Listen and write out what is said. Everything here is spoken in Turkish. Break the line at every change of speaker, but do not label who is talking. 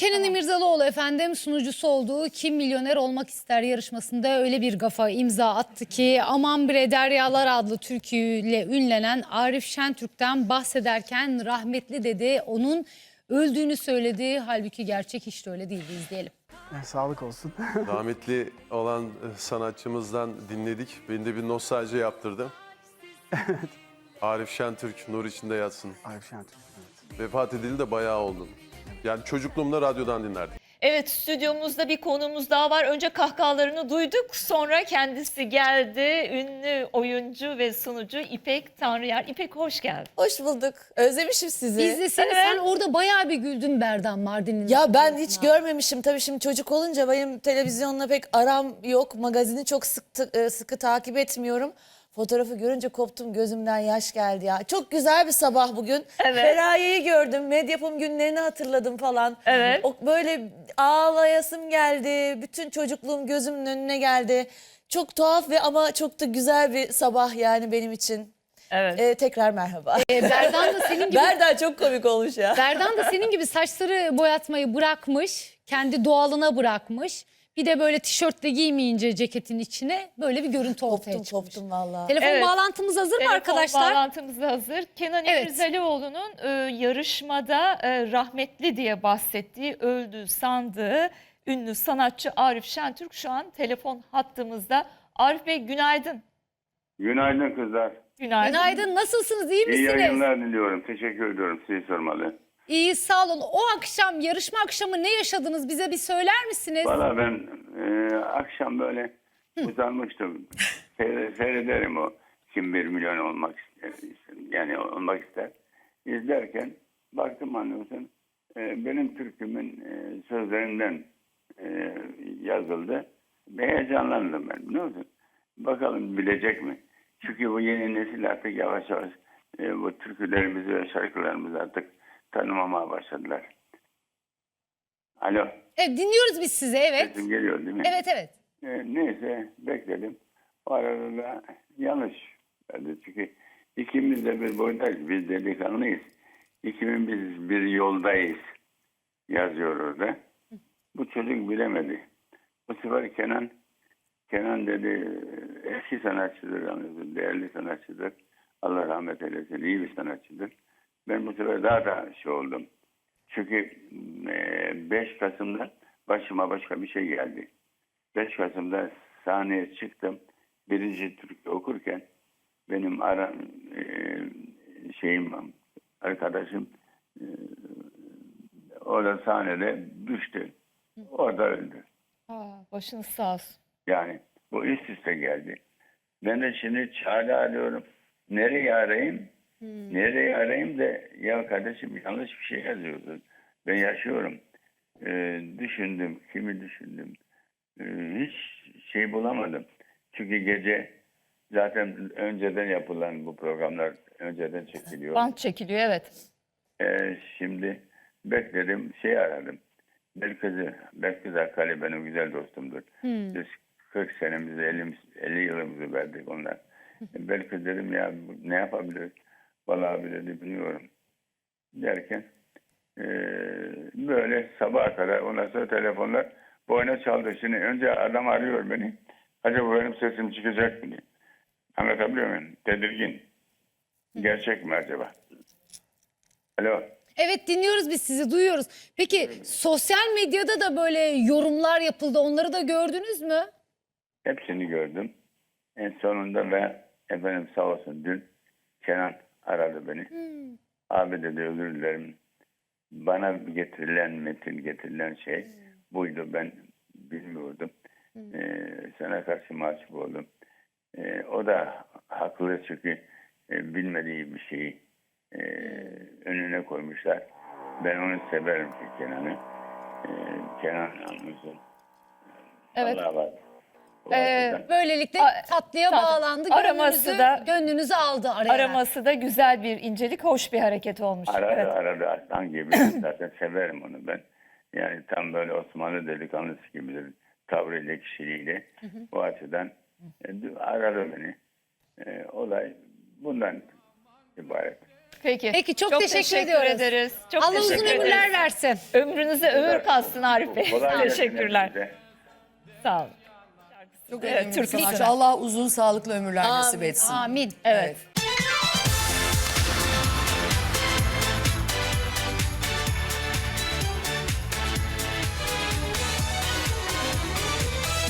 Kenan
Tamam.
İmirzalıoğlu efendim sunucusu olduğu Kim Milyoner Olmak İster yarışmasında öyle bir gafa imza attı ki Aman Bre Deryalar adlı türküyle ünlenen Arif Şentürk'ten bahsederken rahmetli dedi. Onun öldüğünü söyledi. Halbuki gerçek hiç de öyle değildi. İzleyelim.
Sağlık olsun.
Rahmetli olan sanatçımızdan dinledik. Beni de bir nostalji yaptırdı. Arif Şentürk nur içinde yatsın.
Arif Şentürk. Evet.
Vefat edildi de bayağı oldu. Yani çocukluğumda radyodan dinlerdik.
Evet, stüdyomuzda bir konuğumuz daha var. Önce kahkahalarını duyduk, sonra kendisi geldi. Ünlü oyuncu ve sunucu İpek Tanrıyer. İpek, hoş geldin.
Hoş bulduk. Özlemişim sizi.
Biz de sen orada bayağı bir güldün Berdan Mardin'in.
Ya ben hiç görmemişim. Tabii şimdi çocuk olunca benim televizyonla pek aram yok. Magazini çok sıkı takip etmiyorum. Fotoğrafı görünce koptum, gözümden yaş geldi ya. Çok güzel bir sabah bugün.
Evet.
Feraye'yi gördüm. Medyapım günlerini hatırladım falan.
Evet.
O böyle ağlayasım geldi. Bütün çocukluğum gözümün önüne geldi. Çok tuhaf ve ama çok da güzel bir sabah yani benim için.
Evet.
Tekrar merhaba.
Berdan da senin gibi
Berdan çok komik olmuş ya.
Berdan da senin gibi saçları boyatmayı bırakmış. Kendi doğalına bırakmış. Bir de böyle tişörtle giymeyince ceketin içine böyle bir görüntü ortaya çıkmış.
Koptum vallahi.
Telefon
Evet.
bağlantımız hazır mı
Telefon
arkadaşlar?
bağlantımız da hazır. Kenan
Evet.
İmirzalıoğlu'nun yarışmada rahmetli diye bahsettiği, öldü sandığı ünlü sanatçı Arif Şentürk şu an telefon hattımızda. Arif Bey, günaydın.
Günaydın kızlar.
Günaydın.
Günaydın, nasılsınız, iyi
İyi
misiniz?
yayınlar diliyorum. Teşekkür ediyorum. Sizi sormalı.
İyi, sağ olun. O akşam, yarışma akşamı ne yaşadınız, bize bir söyler misiniz?
Valla ben akşam böyle uzanmıştım. Seyrederim o kim 1 milyon olmak ister. Yani olmak ister. İzlerken baktım anlıyorsun benim türkümün sözlerinden yazıldı. Heyecanlandım ben, biliyor musun? Bakalım bilecek mi? Çünkü bu yeni nesil artık yavaş yavaş bu türkülerimizi ve şarkılarımızı artık tanımamaya başladılar. Alo,
Evet, dinliyoruz biz sizi, evet.
sesim geliyor değil mi?
Evet, evet.
Neyse bekledim. O arada da yanlış verdi. Çünkü ikimiz de bir boydayız. Biz delikanlıyız. İkimiz biz bir yoldayız yazıyor orada. Bu çocuk bilemedi. Bu sefer Kenan dedi eski sanatçıdır, anlıyorsun, değerli sanatçıdır. Allah rahmet eylesin, iyi bir sanatçıdır. Ben bu sefer daha da oldum. Çünkü 5 Kasım'da başıma başka bir şey geldi. 5 Kasım'da sahneye çıktım. Birinci türkü okurken benim arkadaşım orada sahnede düştü. Orada öldü.
Başınız sağ olsun.
Yani bu üst üste geldi. Ben de şimdi çare arıyorum. Nereye arayayım? Nereye arayayım da ya kardeşim yanlış bir şey yazıyorsun. Ben yaşıyorum. Düşündüm. Kimi düşündüm. Hiç şey bulamadım. Çünkü gece zaten önceden yapılan bu programlar önceden çekiliyor.
Bant çekiliyor, evet.
Şimdi bekledim, aradım. Belkıs Akkali benim güzel dostumdur. Biz 40 senemizi, 50 yılımızı verdik onlar. Belkıs dedim ya ne yapabiliriz? Vallahi abi dedi bilmiyorum. Derken böyle sabaha kadar ondan sonra telefonlar boyuna çaldı. Şimdi önce adam arıyor beni. Acaba benim sesim çıkacak mı diye. Anlatabiliyor muyum? Tedirgin. Gerçek mi acaba? Alo.
Evet, dinliyoruz biz sizi, duyuyoruz. Peki sosyal medyada da böyle yorumlar yapıldı, onları da gördünüz mü?
Hepsini gördüm. En sonunda ve efendim sağ olsun dün Kenan aradı beni. Abi dedi özür dilerim. Bana getirilen şey buydu. Ben bilmiyordum. Sana karşı mahcup oldum. O da haklı çünkü bilmediği bir şeyi önüne koymuşlar. Ben onu severim ki Kenan'ı. Kenan anlıyorsun.
Evet.
Allah var.
Böylelikle tatlıya bağlandı,
Araması da-
gönlünüzü aldı araya.
Araması da güzel bir incelik, hoş bir hareket olmuş. Evet.
Aradı aslan gibi. Zaten severim onu ben. Yani tam böyle Osmanlı delikanlısı gibidir. Tavrıyla, kişiliğiyle. O açıdan aradı beni. Olay bundan ibaret.
Peki
çok teşekkür ediyoruz.
ederiz. Çok
Allah uzun
teşekkür
ömürler
ederiz.
versin.
Ömrünüze ömür kalsın Arif Bey.
Kolay gelsin
Teşekkürler.
hepinize.
Sağ olun.
Çok
Evet,
önemli bir
Türk
sanatçı.
sanatçı.
Allah uzun sağlıklı ömürler nasip etsin.
Amin.
Evet.